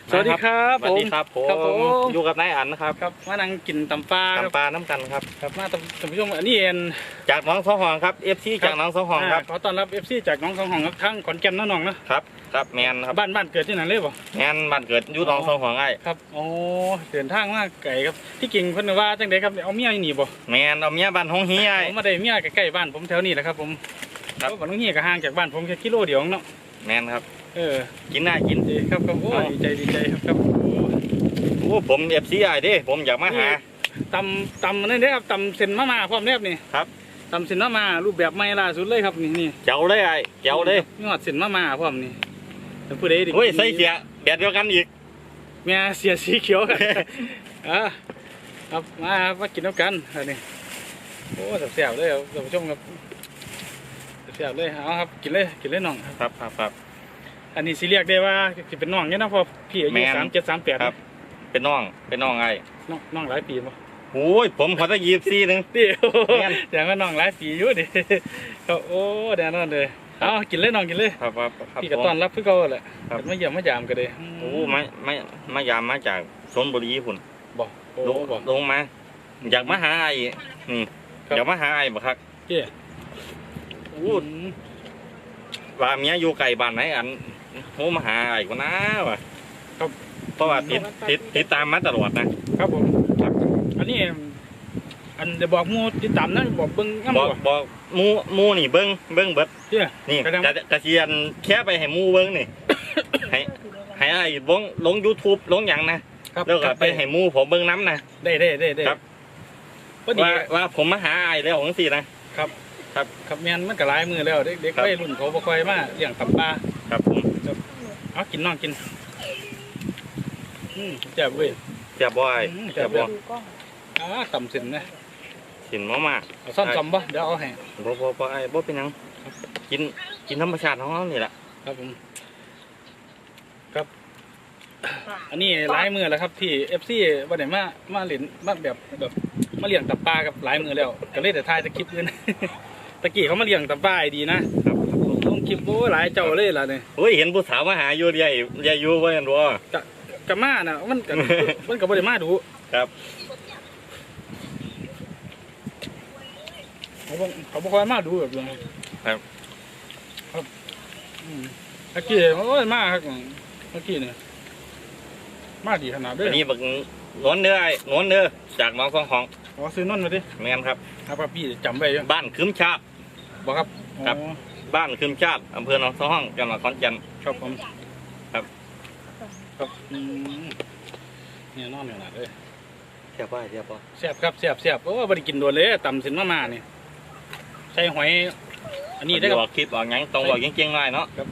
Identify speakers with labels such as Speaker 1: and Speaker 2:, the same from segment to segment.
Speaker 1: สวัสดีครับ
Speaker 2: สวัสดีครับผมอยู่กับนายอั๋นนะครับ
Speaker 1: ครับมานั่งกินตำปลาครับ
Speaker 2: ตำปลาน้ำกันครับ
Speaker 1: ครับมาท่านผู้ชมอันนี้เอง
Speaker 2: จากน้องสองห้องครับ FC จากน้องสองห้องครับ
Speaker 1: ขอต้อนรับ FC จากน้องสองห้องครับทั้งขอนแก่นน้องนะครับ
Speaker 2: ครับแมนครับ
Speaker 1: บ้านเกิดที่ไหนเลยบ่
Speaker 2: แมนบ้านเกิดอยู่น้องสองห้องไอ้
Speaker 1: ครับโอ้เดินทางมาไกลครับที่กิ่งเพิ่นว่าจังไดครับเอาเมียหนีบ่
Speaker 2: แมนเอาเมียบ้านห้องเฮีย
Speaker 1: ผมมาได้เมียใกล้ๆบ้านผมแถวนี้แหละครับผมครับบ้านห้องเฮียก็ห่างจากบ้านผมแค่กิโลเดียวเนาะ
Speaker 2: แมนครับกินได้กิน
Speaker 1: ดีครับโอ้ดีใจครับ
Speaker 2: โอ้ผม FC ไอ้ดิผมอยากมาหา
Speaker 1: ตำนั่นเด้ครับตำเส้นมาพร้อมเรียบนี่
Speaker 2: ครับ
Speaker 1: ตำเส้นมารูปแบบใหม่ล่าสุดเลยครับนี่
Speaker 2: เจ้าเลยไอ้เจ้าเลย
Speaker 1: ยอดเส้นมาพร้อมนี่ผู้ใดดิ
Speaker 2: โอ้ยใส่เสียแบบเดียวกันอีก
Speaker 1: เมียเสียสีเขียวกันครับมากินน้ำกันอันนี้โอ้แซ่บเลยท่านผู้ชมครับแซ่บเลยเอาครับกินเลยน้อง
Speaker 2: ครับ
Speaker 1: อันนี้สิเรียกได้ว่าสิเป็นน้องเนี่ยนะพอพี่อายุ37-38
Speaker 2: ครับเป็นน้องไอ้
Speaker 1: น้องหลายปีมั้ง
Speaker 2: โอ้ยผมขอตั้ง24นึง
Speaker 1: ดิอย่างว่าน้องหลายปีอยู่ดิโอ้แน่นอนเลยเอากินเลยน้องกินเลย
Speaker 2: ครับ
Speaker 1: พี่ก็ต้อนรับเพื่อเขาแหละมาเยี่ยมมายามกันเลย
Speaker 2: โอ้มายามมาจากชลบุรีพุ่น
Speaker 1: บอก
Speaker 2: ลงมาอยากมาหาไอ้นี่อยากมาหาไอ้บ่ครับ
Speaker 1: เจ้
Speaker 2: โอ้ว่าเมียอยู่ไกลบ้านไหนอันโหมาหาไอ้ก็น่าวะเพราะว่าติดตามมาตลอด
Speaker 1: นะครับผมอันนี้อันเดี๋ยวบอกมูติดตามนะบอกเบิ้ง
Speaker 2: บอกมูนี่เบิ้งเบิดนี่กระเทียนแค่ไปให้มูเบิ้งนี่ให้ไอ้ลง YouTube ลงอย่างนะแล้วก็ไปให้มูผมเบิ้งน้ำนะ
Speaker 1: ได้
Speaker 2: ครับว่าผมมาหาไอ้แล้วของสี่นะครับ
Speaker 1: แมนมันก็หลายมือแล้วเด็กวัยรุ่นเขาบ่ค่อยมาเลี้ยงตับปลา
Speaker 2: ครับผม
Speaker 1: เอากินน้องกินแจ่บเว้ย
Speaker 2: แจ่บบ่ไอ้แจ่บบ่
Speaker 1: ต่ำสินนะ
Speaker 2: สินมาก
Speaker 1: ๆซ่อนบ่เดี๋ยวเอาให้
Speaker 2: บ่ไอ้บ่เป็นยังกินธรรมชาติของเรานี่แหละ
Speaker 1: ครับผมครับอันนี้หลายมือแล้วครับที่ FC วันไหนมาเล่นมาแบบมาเลี้ยงตับปลากับหลายมือแล้วก็เลยแต่ทายตะคลิปเลยตะกี้เขามาเลี้ยงตับปลาดีนะครับลงคลิปโอ้หลายเจ้าเลยล่ะเนี่ย
Speaker 2: โอ้ยเห็นผู้สาวมาหาอยู่ใหญ่อยู่ว่าอย่างรัว
Speaker 1: กะมาน่ะมันก็บ่ได้มาดู
Speaker 2: ครับ
Speaker 1: เขาบ่ค่อยมาดูแบบนี้
Speaker 2: ครับ
Speaker 1: ตะกี้โอ้ยมาครับตะกี้เนี่ยมาดีขนาดด้วย
Speaker 2: อันนี้บักนวลเนื้อจากน้องสองห้อง
Speaker 1: ซื้อนนมาดิ
Speaker 2: แมนครับ
Speaker 1: ครับพี่จำไว้
Speaker 2: บ้านคืมชาติ
Speaker 1: บอกครับ
Speaker 2: บ้านคืมชาติอำเภอหนองสองห้องจังหวัดขอนแก่น
Speaker 1: ครับผมครับเนี่ยนอนอยู่หนาเลย
Speaker 2: แซ่บป่ะแซ่บ
Speaker 1: ครับแซ่บโอ้บริกินโดนเลยต่ำสินมาเนี่ยใส่หอยอันนี้ได้
Speaker 2: ครับคลิปออกงั้นตรงบอกเก่งๆหน่อยเนาะ
Speaker 1: ครับ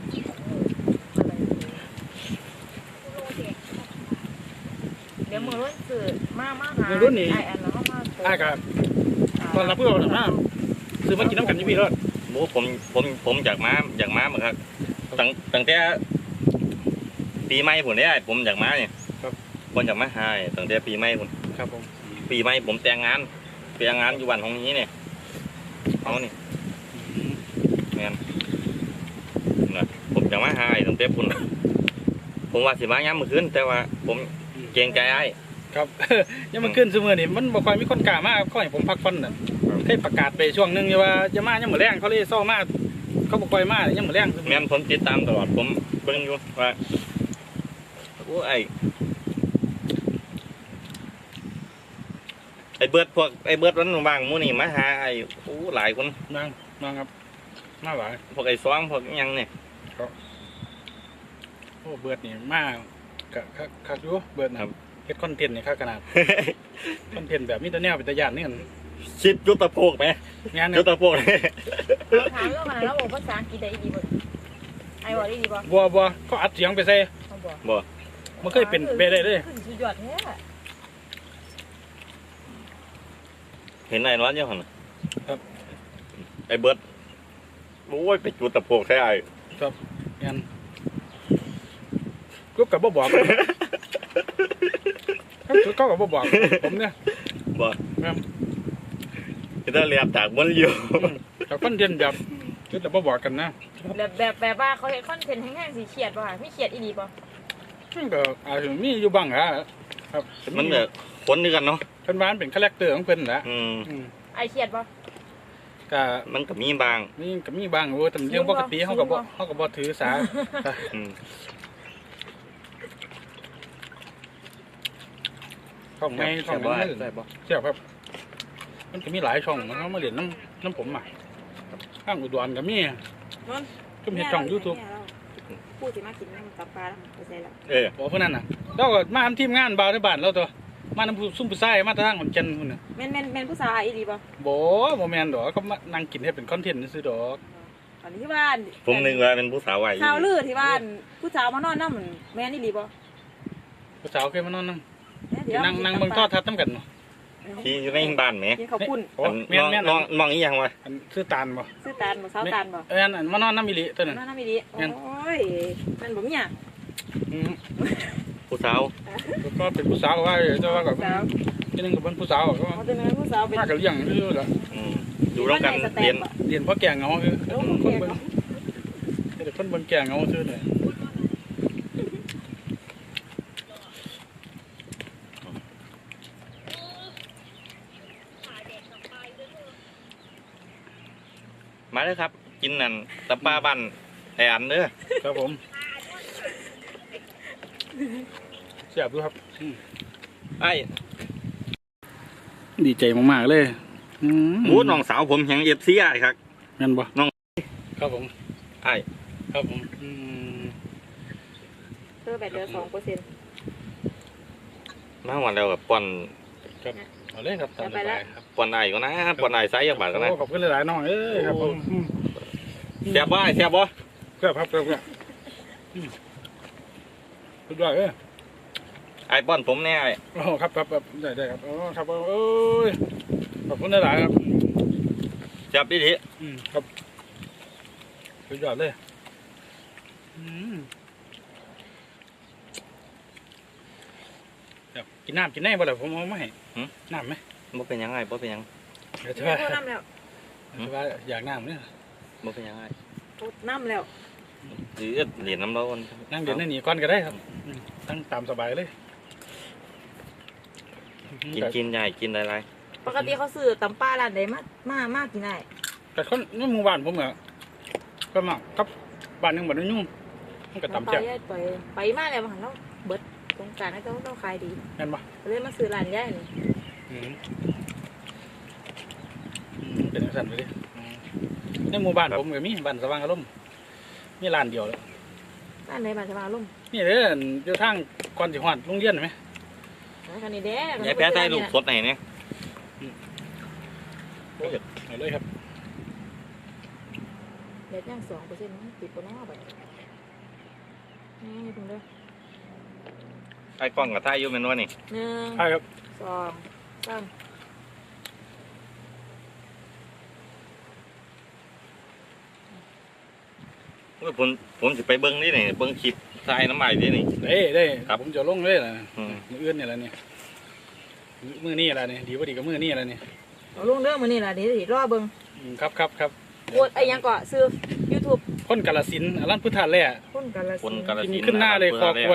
Speaker 3: เดี๋ยวมือรุ่นสื่อมาหา
Speaker 1: มือรุ่นนี้
Speaker 3: ไอ้
Speaker 1: ครับตอนรับเพื่อนนะซื้อมากินน้ำกันยี่ปีรอด
Speaker 2: โอ้ผมอยากม้าเหมือนครับตั้งแต่ปีใหม่ผมได้ผมอยากม้าเนี่ยคนอยากม้าหายตั้งแต่ปีใหม่ผม
Speaker 1: ครับผม
Speaker 2: ปีใหม่ผมแต่งงานอยู่วันของนี้เนี่ยเอานี่แมนนะผมอยากม้าหายตั้งแต่ผมว่าสิมาย้ำเมื่อคืนแต่ว่าผมเกรงใจไอ้
Speaker 1: ครับยังมันขึ้นเสมอนี่มันบ่ค่อยมีคนกล้ามากค่อยผมพักฟันน่ะเคยประกาศไปช่วงนึงว่าจะมายังเหมือนแรงเขาเลยเศร้ามากเขาบ่ค่อยมายังเหมือนแรง
Speaker 2: แม่นผมติดตามตลอดผมเบิ่งอยู่ว่าโอ้ไอ้เบิร์ดพวกไอ้เบิร์ดวันบางมู่นี่มาหาไอ้โอ้หลายคน
Speaker 1: นั่งครับมาหลาย
Speaker 2: พวกไอ้ซ้อมพวกยังเนี่ย
Speaker 1: โอ้เบิร์ดนี่มากคักอยู่เบิร์ดครับเฮ็ดคอนเทนต์นี่ค่าขนาดคอนเทนต์แบบมีแต่แนวเป็นตะยานนี่กัน
Speaker 2: ชิดยุตตะโพกไหม
Speaker 1: งาน
Speaker 2: ยุตตะโพก
Speaker 3: ถามเรื่องอะไรแล้วบอกภาษาอังกฤษได้ดีบ่ไอ้บอกได้ดีบ่
Speaker 1: บัวก็อัดเสียงไปใส่
Speaker 2: บัว
Speaker 1: มันเคยเป็นไปได้เลย
Speaker 3: สุดยอดแท้
Speaker 2: เห็นไอ้ร้อนยังไงครับไอ้เบิร์ดโอ้ยไปจุดตะโพกใช่ไอ้
Speaker 1: ครับงานก็กับบ่บอกก็กับบ่บอกผมเนี่ย
Speaker 2: บอกจะเรียบจากมันอยู่
Speaker 1: แต่คอนเทนต์แบบก็แต่บ่บอกกันนะ
Speaker 3: แบบว่าเขาเห็นคอนเทนต์แห้งๆสีเขียดป่ะไม่เขียดอีดีป่ะ
Speaker 1: มันก็อาจจะมีอยู่บ้างครับ
Speaker 2: มันแบบคนด้วยกันเนาะ
Speaker 1: เพิ่นว่ามันเป็นคาแรคเตอร์ของเพิ่นแหละ
Speaker 2: อืม
Speaker 1: อืม
Speaker 3: ไอเครียดบ่
Speaker 1: ก็
Speaker 2: มันก็มีบาง
Speaker 1: นี่ก็มีบ้างโอ้แต่เรื่องปกติเฮาก็บ่ถือสา
Speaker 2: อืม
Speaker 1: ช่องไม่ช่อง
Speaker 2: บ่
Speaker 1: นั้น
Speaker 2: ได้บ่
Speaker 1: เสียบครับ มันก็มีหลายช่องมันเขามาเรียนน้ำผมอ่ะข้างอุดรก็มี
Speaker 3: นน
Speaker 1: ก็มีช่อง YouTube
Speaker 3: พูดสิมากินน้ำตับปลาแล้วไปใส่แล้ว
Speaker 1: บอกเพื่อนนั่นน่ะเราก็มาทำทีมงานบ่าวในบ้านเราตัวมาทำผู้ซุ่มผู้ชายมาทางขอนแก่นพุ่นน่ะ
Speaker 3: แม่นผู้สาวอีหลีบ่
Speaker 1: บ่แม่นดอกเขามานั่งกินให้เป็นคอนเทนต์ซื่อดอก
Speaker 3: ตอนนี้ที่บ้าน
Speaker 2: ผมนึกว่าเป็นผู้สาววัย
Speaker 3: ข่าวลือที่บ้านผู้สาวมานอนน้ำแม่นอีหลีบ่
Speaker 1: ผู้สาวเคยมานอนนั่ง
Speaker 3: เดี๋ยว
Speaker 1: นั่งเบิ่งทอดทัศน์นํกันเนาะ
Speaker 2: ที่อยู่ในบ้านแหม
Speaker 3: กินข้าวปุ้น
Speaker 1: โอ้แม่นแม่น
Speaker 2: น้องน้องอีหยังวะ
Speaker 1: อันซื้อตาลบ่
Speaker 3: ซื้อตาลบ่สาวตาลบ่
Speaker 1: อันมานอนน้ำมิลิตัวนั้น
Speaker 3: นอนน้ำอีหลีโอ้ยมันบ่มีอ่ะ
Speaker 1: อืม
Speaker 2: ผู้สาว
Speaker 1: ก็เป็นผู้สาวว่าเจ้าว่าก็
Speaker 3: สาว
Speaker 1: ทีนึงก็เป็นผู้สาวก็
Speaker 3: เขาจะเป็นผู้สาวเป็น
Speaker 1: มากับเลี้ยงซื่อๆล่ะ
Speaker 2: อืมอยู่ร่วมกันเรียน
Speaker 1: เรียนเพราะแก่เหงาคือคนเบิ่งแต่คนเบิ่งแก่เหงาซื่อเลย
Speaker 2: มาเลยครับ กินนั่นตะปาบ้านไอ้อันเด้อ
Speaker 1: ครับผมเสียบดูครับ
Speaker 2: ไอ้
Speaker 1: ดีใจมากๆเลยอืม
Speaker 2: บูน้องสาวผมแห่งFCไอ้ครับ
Speaker 1: งั้นบ่
Speaker 2: น้อง
Speaker 1: ครับผม
Speaker 2: ไอ้
Speaker 1: ครับผม
Speaker 3: เธอแบบเดือน2%
Speaker 2: มาวันแล้วกับป้อน
Speaker 1: ครับเอาเลยครับตามสบายครับ
Speaker 2: ป้อนไอ้ก็นะป้อนไอ้ไซส์ยักบาทก็นะ
Speaker 1: โอ้ขอบคุณหลายๆน้องเอ้ยครับผม
Speaker 2: แซ่บบ่ไอ้แซ่บบ่
Speaker 1: ครับครับสุดยอดเอ้ย
Speaker 2: ไอ้ป้อนผมแน่ไอ้
Speaker 1: โอ้ครับได้ครับโอ้ครับโอ้ยขอบคุณหลายๆครับ
Speaker 2: แซ่บดี
Speaker 1: ครับสุดยอดเลยครับกินน้ำกินได้บ่ล่ะผมเอามาให้น้ำไหม
Speaker 2: ๆบ่เป็นหยังไงบ่เป็นหยัง
Speaker 1: เดี๋ยว
Speaker 3: โท
Speaker 1: ว่า
Speaker 3: ษน้ำแล้ว
Speaker 1: ว่าอยากน้ำเนี่ย
Speaker 2: บ่เป็นหยังไง
Speaker 3: โทษน้ำแล้ว
Speaker 2: หรือเหรียญน้ำร้อน
Speaker 1: นั่งเดี๋ยวนั่งหนีก่อนก็ได้ครับตั้งตามสบายเลย
Speaker 2: กินใหญ่กินหลาย
Speaker 3: ปกติเขาซื้อตำปลาร้านใดมากินได้
Speaker 1: แต่คนนี่หมู่บ้านผมอะก็มากับบ้านหนึงบ้านนึงยุ่งมันก็ตำแจ่ว
Speaker 3: ไปมาแล้วมาหันแล้วเบิดสงกรารให้เขาขายดี
Speaker 1: แม่นปะ
Speaker 3: เลยมาซื้อร้านใหญ่นี่
Speaker 1: เป็นสั่นไปดิในหมู่บ้านผมก็มีบ้านสว่างอารมณ์มีร้านเดียวแล้ว
Speaker 3: ร้านไหนบ้านสว่างอารมณ์
Speaker 1: นี่เด้ออยู่ทางก่อนสิฮอดโรงเรียนเห็นไหม
Speaker 3: คันนี้เด้
Speaker 2: ๆยายแพ้ใส่ลูกสดไหนเนี่ย
Speaker 1: เอาเลยครับ
Speaker 3: เด็ดย่าง2%ติดบ่น้อไปนี่เพิ่งเด้อ
Speaker 2: ไอ้กล้องกับท่ายอยู่แม่นว่านี่
Speaker 3: 1
Speaker 1: ใช่ครับ
Speaker 3: 2 3
Speaker 2: ผมสิไปเบิ้งนี่นี่เบิ้งคลิปทายน้ำใหม่นี่นี่
Speaker 1: ได้
Speaker 2: ครับ
Speaker 1: ผมจะลงเลยล่ะ
Speaker 2: อืม
Speaker 1: มื้ออื่นนี่แหละนี่มื้อนี้ล่ะนี่ดีบ่ดีกับมื้อนี้ล่ะนี่
Speaker 3: เอาลุงเด้อมื้อนี้ล่ะเดี๋ยวสิรอเบิ่ง
Speaker 1: ครับ
Speaker 3: โอดไอ้หยังก็ซื้อ YouTube
Speaker 1: คนกาฬสินธุ์อรัญพุทธาแล่
Speaker 3: คนกาฬ
Speaker 2: คน
Speaker 3: สินธุ์
Speaker 2: กาฬ
Speaker 1: กิน
Speaker 2: สินธุ์
Speaker 1: ขึ้นหน้าเลย
Speaker 2: ะ
Speaker 1: คอ
Speaker 2: รับ
Speaker 1: กล้วย